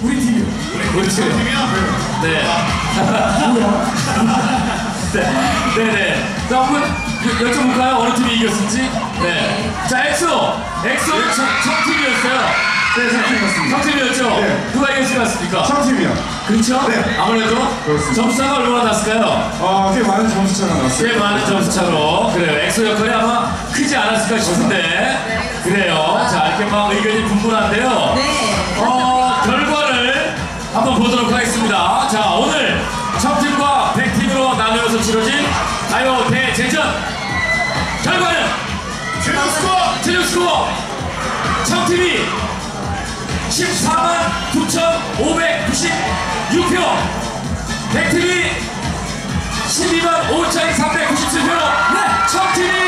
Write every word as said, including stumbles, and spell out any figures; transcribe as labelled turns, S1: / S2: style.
S1: 우리 팀이요.
S2: 우리 팀이요? 네. 네. 네네. 자, 한번 여쭤볼까요? 어느 팀이 이겼을지? 네. 자, 엑소! 엑소 청팀이었어요.
S1: 네, 청팀이었습니다.
S2: 청팀이었죠? 네. 누가 이겼을 것 같습니까?
S1: 청팀이요.
S2: 그렇죠?
S1: 네.
S2: 아무래도
S1: 그렇습니다.
S2: 점수차가 얼마나 났을까요?
S1: 어, 꽤 많은 점수차가 났어요.
S2: 꽤 많은 점수차로. 그래요. 엑소 역할이 아마 크지 않았을까 싶은데. 그래요. 자, 이렇게 막 의견이 분분한데요.
S3: 네.
S2: 어, 결과를 한번 보도록 하겠습니다. 자, 오늘 청팀과 백팀으로 나누어서 치러진 가요 대제전 결과는 최종 스코어 최종 스코어 청팀이 십사만 구천오백구십육 표, 백팀이 십이만 오천삼백구십칠 표로 네, 청팀이